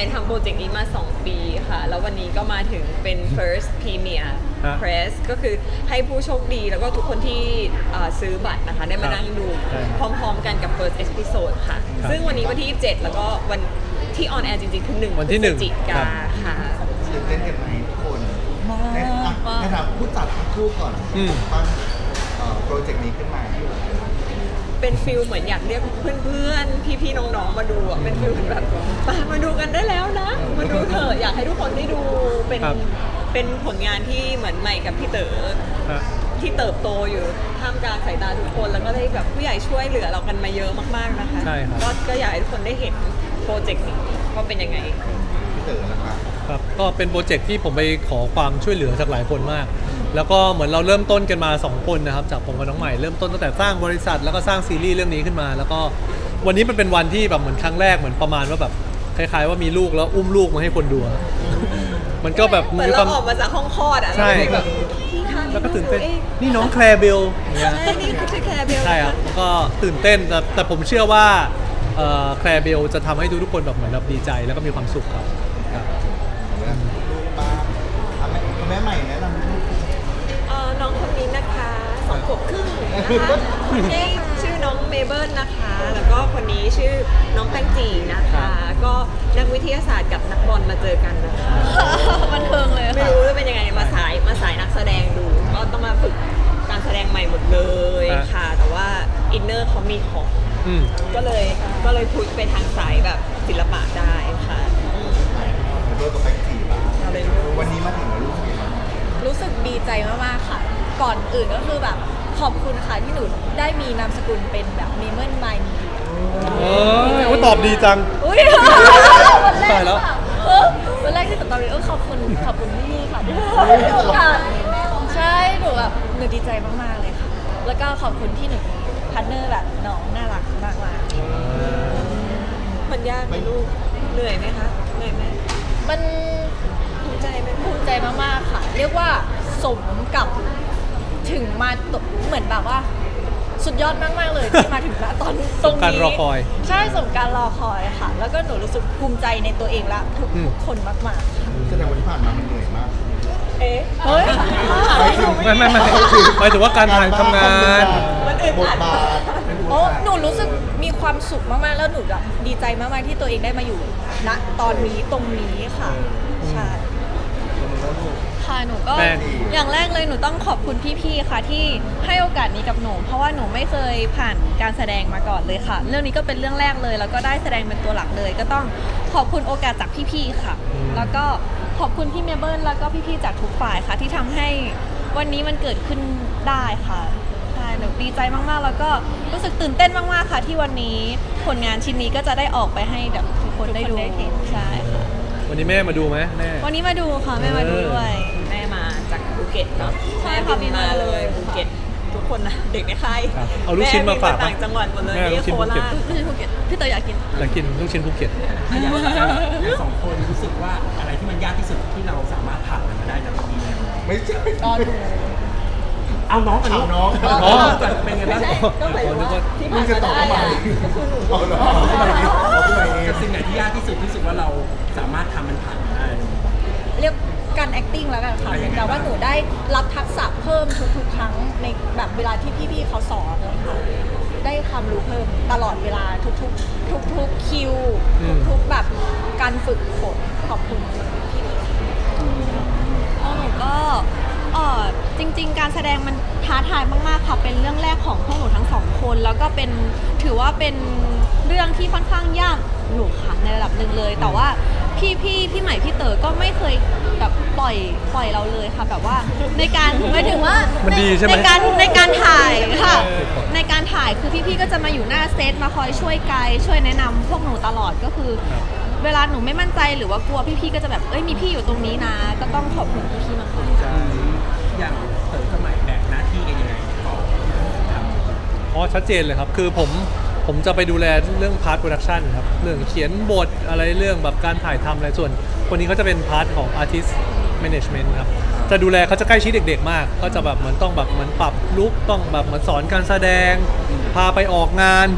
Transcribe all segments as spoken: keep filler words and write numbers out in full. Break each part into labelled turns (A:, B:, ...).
A: ายทำโปรเจกต์นี้มาสองปีค่ะแล้ววันนี้ก็มาถึงเป็น first premiere press ก็คือให้ผู้โชคดีแล้วก็ทุกคนที่ซื้อบัตรนะคะได้มานั่งดูพร้อมๆกันกับ first episode ค่ะซึ่งวันนี้วันที่ยี่สิบเจ็ดแล้วก็วันที่ออนแอร์จริงๆคือหนึ่งพฤศจิกาค่ะ
B: ตื่นเต้นกันไหมทุกคนในในฐานะผู้จัดทั้งคู่ก่อนตั้งโปรเจกต์นี้ขึ้นมา
A: เป็นฟิลเหมือนอยากเรียกเพื่อนๆพี่ๆน้องๆมาดูอ่ะเป็นฟิลแบบมามาดูกันได้แล้วนะมาดูเถอะอยากให้ทุกคนได้ดูเป็นเป็นผลงานที่เหมือนใหม่กับพี่เต๋อที่เติบโตอยู่ท่ามกลางสายตาทุกคนแล้วก็ได้แบบผู้ใหญ่ช่วยเหลือเรากันมาเยอะมากๆนะคะก็ก็อยากให้ทุกคนได้เห็นโปรเจกต์นี้ว่าเป็นยังไง
B: พี่เต๋อนะคะ
C: ครับก็เป็นโปรเจกต์ที่ผมไปขอความช่วยเหลือจากหลายคนมากแล้วก็เหมือนเราเริ่มต้นกันมาสองคนนะครับจากผมกับน้องใหม่เริ่มต้นตั้งแต่สร้างบริษัทแล้วก็สร้างซีรีส์เรื่องนี้ขึ้นมาแล้วก็วันนี้มันเป็นวันที่แบบเหมือนครั้งแรกเหมือนประมาณว่าแบบคล้ายๆว่ามีลูกแล้วอุ้มลูกมาให้คนดูมันก็แบบ
A: เหมือนเราออกมาจากห้องคลอดอ่ะ
C: ใช่แบบแล้วก็ตื่นเต้นนี่น้องแคลร์เบล
A: ใช่นี่คือแคลร์เบล
C: ใช่ครับก็ตื่นเต้นแต่แต่ผมเชื่อว่าแคลร์เบลจะทำให้ทุกๆคนแบบเหมือนแบบดีใจแล้วก็มีความสุขครับ
B: ลูกป้าแม่ใหม่แนะนำลูก
A: น้องคนนี้นะคะสองขวบครึ่งนะคะนี่ชื่อน้องเมเบิลนะคะแล้วก็คนนี้ชื่อน้องแป้งจีนะคะก็นักวิทยาศาสตร์กับนักบอลมาเจอกันนะคะ
D: บันเทิงเลย
A: ไม่รู้ว่าเป็นยังไงมาสายมาสายนักแสดงดูก็ต้องมาฝึกการแสดงใหม่หมดเลยค่ะแต่ว่าอินเนอร์เขามีของก็เลยก็เลยพุชไปทางสายแบบศิลปะได้ค่ะ
B: เมเบิลกับแป้งจีบ้างวันนี้มาถึงแล้วลูก
D: รู้สึกดีใจมากๆค่ะก่อนอื่นก็คือแบบขอบคุณค่ะที่หนูได้มีนามสกุลเป็นแบบเมเมิลไมน์มี
C: เออตอบดีจัง
D: อุ้ยวันแรกแล้ววันแรกที่ตอบเลยเออขอบคุณขอบคุณพี่ค่ะใช่หนูแบบหนูดีใจมากๆเลยค่ะแล้วก็ขอบคุณที่หนูพาร์ทเนอร์แบบน้องน่ารักมาก
A: ๆมันยากไหมลูกเหนื่อยไหมคะเหนื่อยไหม
D: มัน
A: ภูมิใจไหม
D: ภูมิใจมากๆค่ะเรียกว่าสมกับถึงมาเหมือนแบบว่าสุดยอดมากๆเลยที่มาถึงตอนตรงนี้
C: การรอคอย
D: ใช่สมการรอคอยค่ะแล้วก็หนูรู้สึกภูมิใจในตัวเองและทุกคนมาก
B: ๆแสดงว่าที่ผ่านมามันเหนื่อยมาก
D: เอ๊ะเฮ้ย
C: ไม่ไม่ไม่หมายถึงว่าการถ่ายทำงาน
B: บทบาท
D: โอ้หนูรู้สึกมีความสุขมากๆแล้วหนูแบบดีใจมากๆที่ตัวเองได้มาอยู่ณตอนนี้ตรงนี้ค่ะใช่ค่ะหนูก็อย่างแรกเลยหนูต้องขอบคุณพี่ๆค่ะที่ให้โอกาสนี้กับหนูเพราะว่าหนูไม่เคยผ่านการแสดงมาก่อนเลยค่ะเรื่องนี้ก็เป็นเรื่องแรกเลยแล้วก็ได้แสดงเป็นตัวหลักเลยก็ต้องขอบคุณโอกาสจากพี่ๆค่ะแล้วก็ขอบคุณพี่เมเบิลแล้วก็พี่ๆจากทุกฝ่ายค่ะที่ทำให้วันนี้มันเกิดขึ้นได้ค่ะใช่หนูดีใจมากๆแล้วก็รู้สึกตื่นเต้นมากๆค่ะที่วันนี้ผลงานชิ้นนี้ก็จะได้ออกไปให้แบบทุกคนได้ดูใช่ค่ะ
C: วันนี้แม่มาดูไหมแม่
D: วันนี้มาดูค่ะแม่มาดูด้วย
A: แม่มาจากภูเก็ตเนาะแม่บินมาเลยภูเก็ตทุกคนนะเด็กในค่าย
C: เอาลูกชิ้นมาฝาก
A: ต่างจังหวัดหมดเลยนี่โคราช
D: ลูกชิ้นภูเก็ตพี่เต๋ออยากกิน
C: อยากกินลูกชิ้นภูเก็ต
E: สองคนรู้สึกว่าอะไรที่มันยากที่สุดที่เราสามารถผ่านมันมาได้ในวันนี้แล้ว
B: ไม่ใช่
D: ตอน
E: เอาน้องกัน
B: น้อง
E: น้องเป็นไงบ้าง
A: ก็หมายถึงว่าที่ผ่าน
B: มาได้
E: เอาน้องกับสิ่งไหนที่ยากที่สุดที่สุดว่าเราสามารถทำมันผ่านมาได้
D: เรียกการ acting แล้วกันค่ะแต่ว่าหนูได้รับทักษะเพิ่มทุกๆครั้งในแบบเวลาที่พี่ๆเขาสอนเลยค่ะได้ความรู้เพิ่มตลอดเวลาทุกๆทุกๆคิวทุกๆแบบการฝึกฝนขอบคุณพี่ๆหนูก็เออจริงๆการแสดงมันท้าทายมากๆค่ะเป็นเรื่องแรกของพวกหนูทั้งสองคนแล้วก็เป็นถือว่าเป็นเรื่องที่ค่อนข้างยากหนูค่ะในระดับหนึ่งเลยแต่ว่าพี่พี่พี่ใหม่พี่เต๋อก็ไม่เคยแบบปล่อยปล่อยเราเลยค่ะแบบว่าในการหมายถึงว่าในการในการถ่ายค่ะในการถ่ายคือพี่ๆก็จะมาอยู่หน้าเซตมาคอยช่วยไกด์ช่วยแนะนำพวกหนูตลอดก็คือเวลาหนูไม่มั่นใจหรือว่ากลัวพี่ๆก็จะแบบเอ้ยมีพี่อยู่ตรงนี้นะก็ต้องขอบคุณพี่ๆมาก
E: ๆอย่างเต๋อกับใหม่แบ่งหน้าที่กันยังไงก่อน
C: อ๋อชัดเจนเลยครับคือผมผมจะไปดูแลเรื่องพาร์ทโปรดักชันครับเรื่องเขียนบทอะไรเรื่องแบบการถ่ายทำอะไรส่วนคนนี้เขาจะเป็นพาร์ทของ Artist Management ครับจะดูแลเขาจะใกล้ชิดเด็กๆมากก็จะแบบเหมือนต้องแบบเหมือนปรับลุคต้องแบบเหมือนสอนการแสดงพาไปออกงาน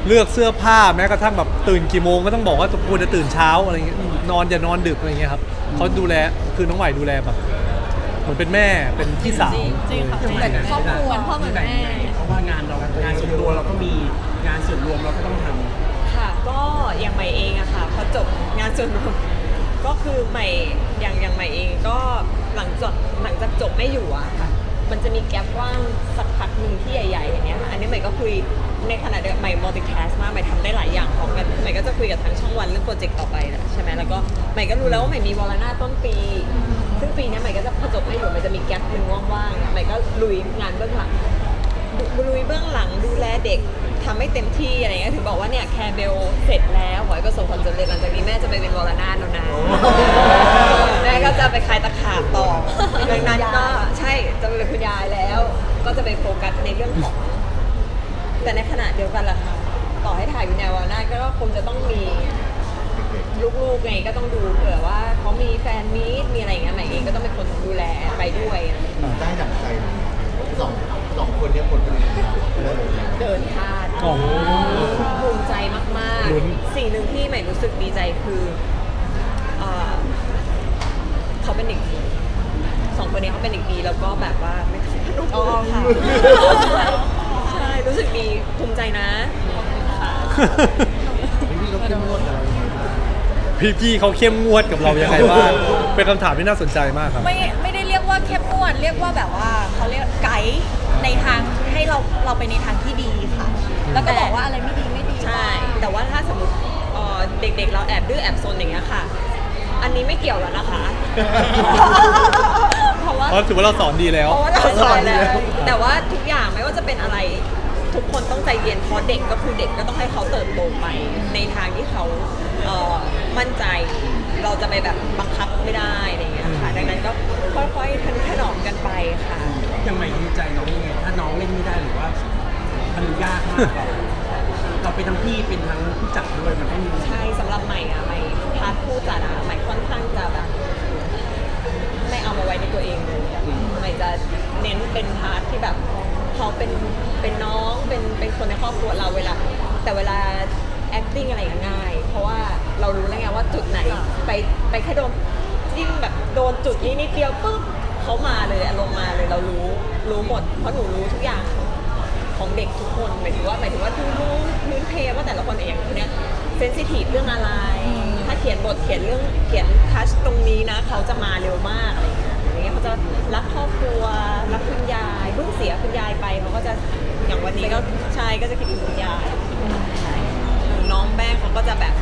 C: เลือกเสื้อผ้าแม้กระทั่งแบบตื่นกี่โมงก็ต้องบอกว่าควรจะตื่นเช้าอะไรเงี้ยนอนอย่านอนดึกอะไรเงี้ยครับเขาดูแลคือน้องใหม่ดูแลแบบเหมือนเป็นแม่เป็นพี่สาว
A: จริงค่ะ
D: เหมือนครอบครัว
A: เหมือนพ่อเหมือนแม่
E: เพราะว่างานเรางานส่วนตัวเราก็มีงานส่วนรวมเราก็ต้องทำ
A: ค่ะก็อย่างใหม่เองอะค่ะพอจบงานส่วนรวมก็คือใหม่อย่างอย่างใหม่เองก็หลังจากหลังจากจบไม่อยู่อะค่ะมันจะมีแกลบว่างสักพักหนึ่งที่ใหญ่ๆอย่างเงี้ยค่ะอันนี้ใหม่ก็คุยในขณะเดียวกันใหม่ multitask มากใหม่ทำได้หลายอย่างพร้อมกันใหม่ก็จะคุยกับทางช่องวันเรื่องโปรเจกต์ต่อไปแหละใช่ไหมแล้วก็ใหม่ก็รู้แล้วว่าใหม่มีวอลนาต้นปี ซึ่งปีนี้ใหม่ก็จะพอจบไม่อยู่ใหม่จะมีแกลบหนึ่งว่างๆใหม่ก็ลุยงานเบื้องหลัง ลุยเบื้องหลังดูแลเด็กทำให้เต็มที่อะไรเงี้ยถึงบอกว่าเนี่ยแคร์เบลเสร็จแล้วขอให้ประสบความสำเร็จหลังจากนี้แม่จะไปเป็นวรนาถแล้วนะแม่ก็จะไปคลายตะขาบต่อดังนั้นก็ใช่จะไปเป็นคุณยายแล้ว ก็จะไปโฟกัสในเรื่องของ แต่ในขณะเดียวกันล่ะค่ะต่อให้ถ่ายอยู่ในวรนาถก็คงจะต้องมีลูกๆไงก็ต้องดูเผื่อว่าเขามีแฟนมีตมีอะไรอย่างเงี้ยใหม่เองก็ต้องเป็นคนดูแลไปด้วย
B: ได้ดั่งใจสองสองคนเนี้คนเป็นยังไง
A: เดินพลาด
C: โอ้โห
A: ภูมิใจมาก
C: ลุ้น
A: ๆ สิ่งหนึ่งที่ใหม่รู้สึกดีใจคือเอ่อเขาเป็นเด็กดีสองคนนี้เขาเป็นเด็กดีแล้วก็แบบว่าไม่ต้องพนม
D: อ๋อค่ะ
A: ใช่รู้สึกดีภูมิใจนะค่ะ
B: พี่เขาเข้มงวดอะไรยังไงบ้าง
C: พี่ๆเขาเข้มงวดกับเรายังไงบ้างเป็นคำถามที่น่าสนใจมากครับ
D: ไม่ไม่ได้เรียกว่าเข้มงวดเรียกว่าแบบว่าเขาเรียกไกด์ในทางให้เราเราไปในทางที่ดีค่ะ แล้วก็บอกว่าอะไรไม่ดีไม่ดี
A: ใช่ แต่ว่าถ้าสมมติเอ่อเด็กๆ เราแอบดื้อแอบซนอย่างเงี้ยค่ะ อันนี้ไม่เกี่ยวแล้วนะคะ เพราะว่า
C: เพราะถือว่าเราสอนดีแล้ว
A: เพราะว่าเราสอนแล้ว แต่ว่าทุกอย่างไม่ว่าจะเป็นอะไรทุกคนต้องใจเย็นเพราะเด็กก็คือเด็กก็ต้องให้เขาเติบโตไปในทางที่เขาเอ่อมั่นใจ เราจะไปแบบบังคับไม่ได้อะไรอย่างเงี้ยค่ะ ดังนั้นก็ค่อยๆทนุถนอมกันไปค่ะ
E: ยังไม่ดีใจน้องยังไงถ้าน้องเล่นไม่ได้หรือว่ามันยากมากเราเราเป็นทั้งพี่เป็นทั้งผู้จัดด้วยมันต้องมี
A: ใช่สำหรับใหม่อะใหม่พาร์ทผู้จัดอะใหม่ค่อนข้างจะแบบไม่เอามาไว้ในตัวเองเลยอะใหม่จะเน้นเป็นพาร์ทที่แบบเขาเป็นเป็นน้องเป็นเป็นคนในครอบครัวเราเวลาแต่เวลา acting อะไรก็ง่าย เพราะว่าเรารู้แล้วไงว่าจุดไหนไปไปแค่โดนจิ้มแบบโดนจุดนี้นิดเดียวปุ๊บเขามาเลยอารมณ์มาเลยเรารู้รู้หมดเพราะหนูรู้ทุกอย่าง ของเด็กทุกคนหมายถึงว่าหมายถึงว่าดูรู้พื้นเพว่าแต่ละคนเองเนี่ยเซนซิทีฟเรื่องอะไร ถ้าเขียนบทเขียนเรื่องเขียนทัชตรงนี้นะ เขาจะมาเร็วมากอะไรอย่างเงี้ยอย่างเงี้ยเขาจะรักครอบครัวรักคุณยายเพิ่งเสียคุณยายไปเขาก็จะอย่างวันนี้ก็ใช่ก็จะคิดถึงคุณยายใช่น้องแป้งเขาก็จะแบบ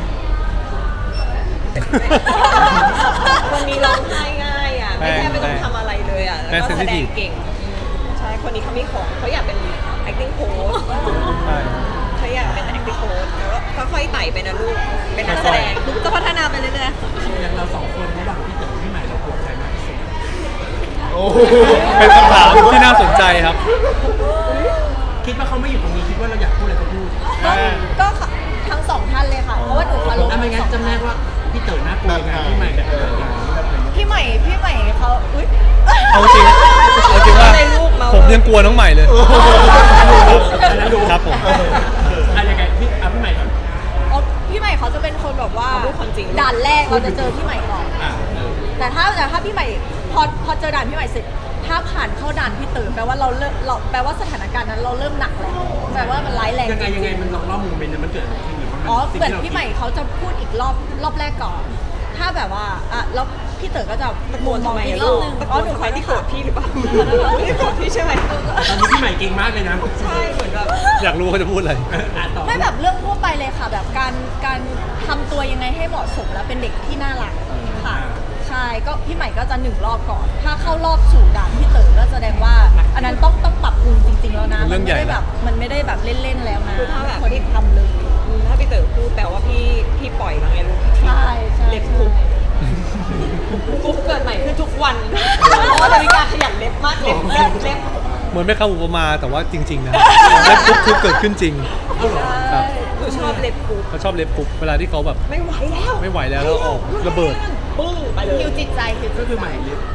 A: คนนี้ร้องไห้ง่ายอ่ะไม่แค่ไม่ต้องทำอะไรเลยอ่ะแล้วก็แสดงเก่งใช่คนนี้เขามีของเขาอยากเป็น acting coach
C: ใช่
A: เขาอยากเป็น acting coach แล้วก็ค่อยๆไต่ไปนะลูกเป็นนักแสดงจะพัฒนาไปเรื่อย
E: อย่างเราสองคนระหว่างพี่เต๋อพี่ใหม่เรากลัวใครมากที่สุด
B: โอ้โห
C: เป็นคำถามที่น่าสนใจครับ
E: คิดว่าเขาไม่อยู่ตรงนี้คิดว่าเราอยากพูดอะไรก็พูด
D: ก็ก็ทั้งสองท่านเลยค่ะ เพราะว่าหนูเคารพ
E: ถ้าไม่งั้นจำแนกว่าพี่เต๋อน่ากลัวยังไงพี่ใหม่แบบไหนอย่างนี้แบบไหน
D: พี่ใหม่พี่ใหม่เขาอุ้ย
C: เอาจริงเอาจริงว่าผมยังกลัวน้องใหม่เลย
E: อันนั้นรู้
C: ครับผม
E: อ่ะยังไงพี่อ่ะพี่ใหม่ก่อน
D: อ๋อพี่ใหม่เขาจะเป็นคนแบบว่าด่านแรกเราจะเจอพี่ใหม่ก่อน
E: อ่ะ
D: แต่ถ้าแต่ถ้าพี่ใหม่พอพอเจอด่านพี่ใหม่เสร็จถ้าผ่านเข้าด่านพี่เต๋อแปลว่าเราเริ่มเราแปลว่าสถานการณ์นั้นเราเริ่มหนักแล้วแปลว่ามันร้ายแรง
E: ยังไง
D: จริ
E: ยังไง
D: ง
E: มันลองเล่าโมเมนต์นั้นมันเกิดอะไรขึ้นหรือว่ามัน
D: อ๋อ
E: สิ่ง
D: เหมือน
E: ที่รา
D: พี่ใหม่เขาจะพูดอีกรอบรอบแรกก่อน ถ้าแบบว่าอ่ะแล้วพี่เต๋อก็จะ
A: ๆตะโกน
D: ม
A: ทำ
D: อง
A: ไม
D: อี
A: อะ
D: กร
A: ลู
D: อบ
A: ก
D: นึง
A: ตะโก
D: อ๋อน หนู
A: ใค
D: ข
A: ร
D: อ
A: ที่
D: ที่
A: โกรธพี่หรือเปล่าไม่ได้โกรธพี่ใช่ไหม
E: ตอนนี้พี่ใหม่เก่งมากเลยนะ
A: ใช่เหมือนแบบ
C: อยากรู้เขาจะพูดอะไร
E: อ่ะต่อ
D: ไม่แบบเรื่องทั่วไปเลยค่ะแบบการการทำตัวยังไงให้เหมาะสมและเป็นเด็กที่น่ารักค่ะใช่ก็พี่ใหม่ก็จะหนึ่งรอบก่อน ถ้าเข้ารอบสู่ด่านพี่เต๋อก็แสดงว่า อันนั้นต้องต้องปรับปรุงจริง ๆ แล้วนะ
C: เรื่องใหญ่
D: ไม่ได้แบบมันไม่ได้แบบเล่นๆแล้วนะ
A: คือถ้าแบบ
D: คนที่ทำเลย
A: อืมถ้าพี่เต๋อพูดแปลว่าพี่พี่ปล่อยแล้วไงลูก
D: ใช่ใช่
A: เล็บคุกคุกเกิดใหม่ขึ้นทุกวันเพราะว่านาฬิกาขยันเล็บมากเล็บเล็บเล็บ
C: เหมือนไม่คำอุปมาแต่ว่าจริง ๆ นะเล็บปุ๊บคือเกิดขึ้นจริง
E: เอาเหรอ
C: ครับ
A: หนูชอบเล็บคุก
C: เขาชอบเล็บปุ๊บเวลาที่เขาแบบ
A: ไม่ไหวแล้ว
C: ไม่ไหวแล้วแล้วออกระเบิด
A: ปึ้งไปเลย
D: ฮิวจิตใจฮิวจิตใจ
E: ก็คือใหม่เล็บ
A: ใช่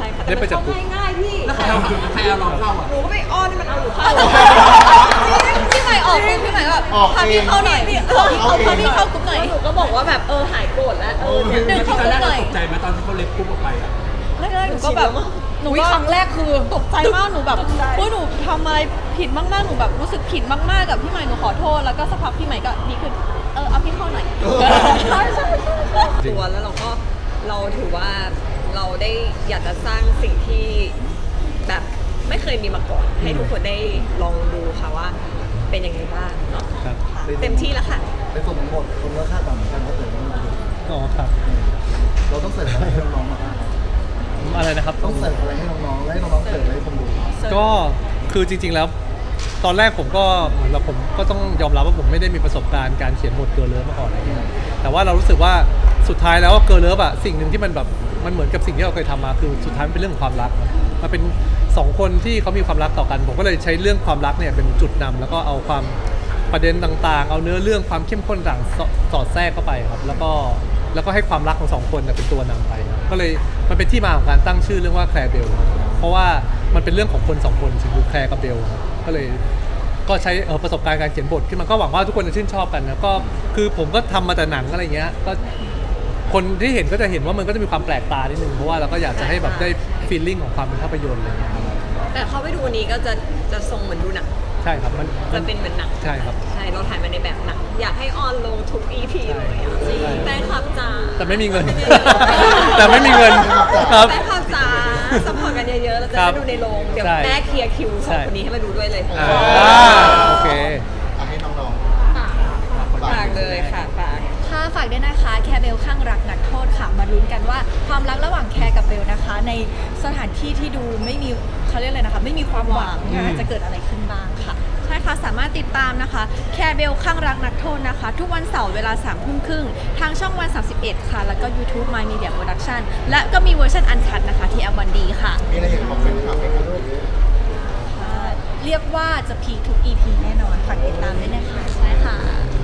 A: ช่ค่ะแต่
C: ได้
A: มั
C: ไป
A: น
C: จับ
A: เข้าง่ายๆพี่
E: แล้วใครเอาใครเอาเราเข้าอ่ะ
A: หนูก็ไปอ้อนให้มันเอาหนูเข้า
D: พี่ใหม่ออกปุ๊บพี่ใหม่ก็แบบ
B: ออก
D: พา
B: เอ
D: พี่
B: ง
D: เข้าหน่อยพี่เข้าพี่เข้าพาพี่เข้ากรุ๊ปหน่อย
A: หนูก็บอกว่าแบบเออหายโกรธแล้วเออเนี่ย
D: ดึง
E: แล้ว
D: เข้า
E: ตอน
D: ก
E: แร
D: รุ๊
E: ก
D: ปหน่อย
E: เราตกใจไหมตอนที่เขาเล็บปุ๊บออกไปอ่ะ
D: แรกๆหนูก็แบบหนูก็ครั้งแรกคือตกใจมากหนูแบบเฮ้ยหนูทำอะไรผิดมากๆหนูแบบรู้สึกผิดมากๆกับพี่ใหม่หนูขอโทษแล้วก็สักพักพี่ใหม่ก็ดีขึ้นเออเอาพี่เข้าหน่อยใช่ใช่ใช่
A: ตัวแล้วเราก็เราถือว่าเราได้อยากจะสร้างสิ่งที่แบบไม่เคยมีมาก่อน ให้ทุกคนได้ลองดูค่ะว่าเป็นยังไงบ้างเนาะ
C: ครับ
A: เต็มที่แล้วค่ะ
B: ในส่วนของบทคนก็คาดหวังเหมือนกันว่าเติร์ต้องมาดู
C: อ๋อครับ
B: เราต้องเสิร์ฟอะไรให้น้องๆมาบ้าง
C: อะไรนะครับ
B: ต้องเสิร์ฟอะไรให้น้องๆและให้น้องๆเสิร์ฟอะไรให้คนดู
C: ก็คือจริงๆแล้ว ตอนแรกผมก็เหมือนแบบผมก็ต้องยอมรับว่าผมไม่ได้มีประสบการณ์การเขียนบทเกิร์ลเลิฟมาก่อนอะไรเงี้ยแต่ว่าเรารู้สึกว่าสุดท้ายแล้วเกิร์ลเลิฟอะสิ่งหนึ่งที่มันแบบมันเหมือนกับสิ่งที่เราเคยทำมาคือสุดท้ายมันเป็นเรื่องของความรักครับมันเป็นสองคนที่เขามีความรักต่อกัน ผมก็เลยใช้เรื่องความรักเนี่ยเป็นจุดนำแล้วก็เอาความประเด็นต่างๆ เอาเนื้อเรื่องความเข้มข้นต่างๆสอดแทรกเข้าไปครับแล้วก็แล้วก็ให้ความรักของสองคนเนี่ยเป็นตัวนำไปครับก็เลยมันเป็นที่มาของการตั้งชื่อเรื่องว่าแคลร์เบลเพราะว่ามันเป็นเรื่องของคนสองคนคือแคลร์กับเบลครับก็เลย ก็ใช้เอ่อประสบการณ์การเขียนบทขึ้นมาก็หวังว่าทุกคนจะชื่นชอบกันนะก็คือผมก็ทำมาแต่หนังอะไรเงี้ยก็คนที่เห็นก็จะเห็นว่ามันก็จะมีความแปลกตานิดนึงเพราะว่าเราก็อยากจะให้แบบได้ฟีลลิ่งของความเป็นภาพยนตร์อะไรเงี้ย
A: แต่เข้าไปดูวันนี้ก็จะจะทรงเหมือนดูหนัง
C: ใช่ครับมันมั
A: จะเป็นเหมือนหนัง
C: ใช่ครับ
A: ใช่เราถ่ายมาในแบบหนังอยากให้ออนลงทุก อี พี เลยอะจริง
C: ใช่
A: แฟนคลับจ๋า
C: แต่ไม่มีเงิน แต่ไม่มีเงินครับ
A: แฟนคลับจ๋าสปอร์ตกันเยอะๆเราจะ
C: ครั
A: ได้
C: บ
A: ดูในโรงเดี๋ยว
C: ใช่
A: แม่เคลียร์คิวสอง
C: ใช่
A: คนนี้ให้มาดูด้วยเลย
C: อ่าโอเค
B: เอาให้น้อง
A: ฝากเลยค่ะฝาก
D: ค่ะฝากด้วยนะคะแคร์เบลข้างรักนักโทษค่ะมาลุ้นกันว่าความรักระหว่างแคร์กับเบลนะคะ ในสถานที่ที่ดูไม่มีเขาเรียกอะไรนะคะไม่มีความหวังนะคะจะเกิดอะไรขึ้นบ้างค่ะ ใช่ค่ะสามารถติดตามนะคะแคร์เบลข้างรักนักโทษนะคะ ทุกวันเสาร์เวลาสามทุ่มครึ่งทางช่องวันสามสิบเอ็ดค่ะ แล้วก็ YouTube My Media Production และก็มีเวอร์ชันอันคัดนะคะที่ แอล วัน ดี ค่ะ
B: ๆมีอะไรอยากจะบอกแฟนคลับไหมครับ
D: เรียกว่าจะพีคทุก อี พี แน่นอนฝากติดตามด้วยนะคะใช่ค่ะ